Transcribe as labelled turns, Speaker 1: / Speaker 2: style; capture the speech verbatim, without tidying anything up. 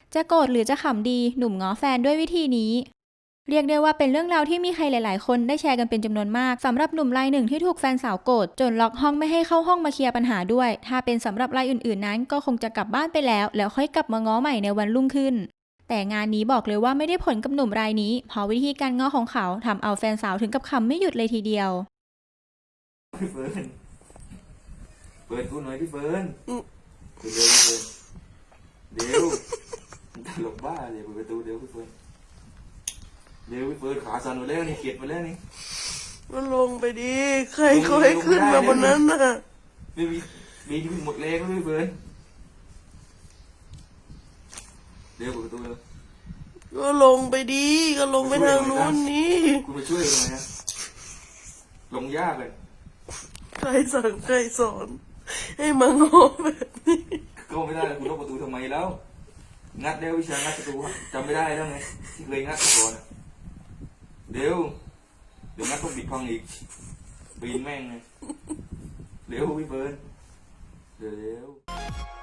Speaker 1: จะโกรธหรือจะขำดีหนุ่มง้อแฟนด้วยวิธีนี้เรียกได้ว่าเป็นเรื่องราวที่มีใครหลายๆคนได้แชร์กันเป็นจำนวนมากสำหรับหนุ่มรายหนึ่งที่ถูกแฟนสาวโกรธจนล็อกห้องไม่ให้เข้าห้องมาเคลียร์ปัญหาด้วยถ้าเป็นสำหรับรายอื่นๆนั้นก็คงจะกลับบ้านไปแล้วแล้วค่อยกลับมาง้อใหม่ในวันรุ่งขึ้นแต่งานนี้บอกเลยว่าไม่ได้ผลกับหนุ่มรายนี้เพราะวิธีการง้อของเขาทำเอาแฟนสาวถึงกับขำไม่หยุดเลยทีเดียว
Speaker 2: พี่เฟิร์นเปิดกูหน่อยพี่เฟิร์นเปิดเร็วเดี๋ยวตลกบ้าเลยเปิดประตูเดี๋ยวพี่เฟิร์นเดี๋ยวพี่เฟิร์นขาสั่นหมดแล้วนี่เข็ดหมดแล้วนี่
Speaker 3: ก็ลงไปดิใครเขาให้ขึ้นมาบนนั้นน่ะ
Speaker 2: ไม่มีมีที่หมดแรงแล้วพี่เฟิร์นเดี๋ยวเปิดประตูเร็ว
Speaker 3: ก็ลงไปดิก็ลงไปทางนู้นนี่
Speaker 2: คุณมาช่วยยังไงฮะลงยากเลย
Speaker 3: ใครสั่งใครสอนให้มางอแบบนี้
Speaker 2: ก็ไม่ได้คุณล็อกประตูทำไมแล้วงัดเดี๋ยววิชางัดประตูจำไม่ได้แล้วไงที่เคยงัดก่อนเดี๋ยวเดี๋ยวงัดต้องปิดพังอีกปีนแม่งไงเร็วพี่เฟิร์นเดี๋ยว